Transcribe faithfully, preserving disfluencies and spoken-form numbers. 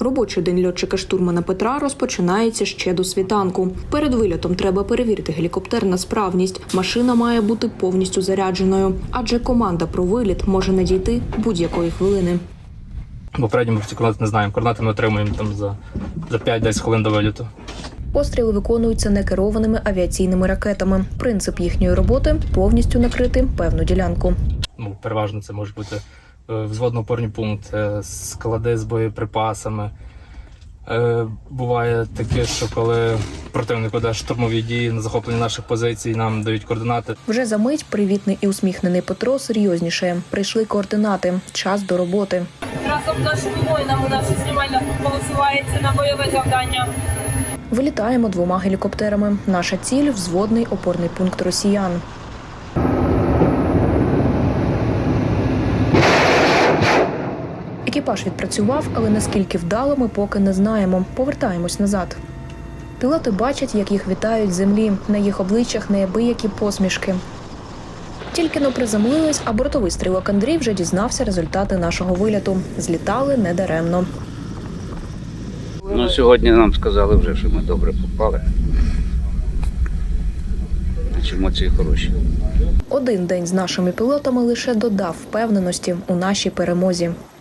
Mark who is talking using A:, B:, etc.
A: Робочий день льотчика-штурмана Петра розпочинається ще до світанку. Перед вильотом треба перевірити гелікоптер на справність. Машина має бути повністю зарядженою, адже команда про виліт може надійти будь-якої хвилини.
B: Попередньо ми ці координати не знаємо. Координати ми отримуємо там за, за п'ять-десять хвилин до виліту. Постріли виконуються некерованими авіаційними ракетами. Принцип їхньої роботи – повністю накрити певну ділянку. Ну, переважно це може бути взводно-опорний пункт, склади з боєприпасами. Буває таке, що коли противник веде штурмові дії на захоплення наших позицій, нам дають координати. Вже за мить привітний і усміхнений Петро серйозніше. Прийшли координати. Час до роботи.
C: Разом з нашими воїнами наша знімальна група висувається на бойове завдання.
A: Вилітаємо двома гелікоптерами. Наша ціль – взводний опорний пункт росіян. Екіпаж відпрацював, але наскільки вдало ми поки не знаємо. Повертаємось назад. Пілоти бачать, як їх вітають з землі. На їх обличчях неабиякі посмішки. Тільки но приземлились, а бортовий стрілок Андрій вже дізнався результати нашого виліту. Злітали недаремно.
D: Ну, сьогодні нам сказали вже, що ми добре попали. Значить, емоції хороші.
A: Один день з нашими пілотами лише додав впевненості у нашій перемозі.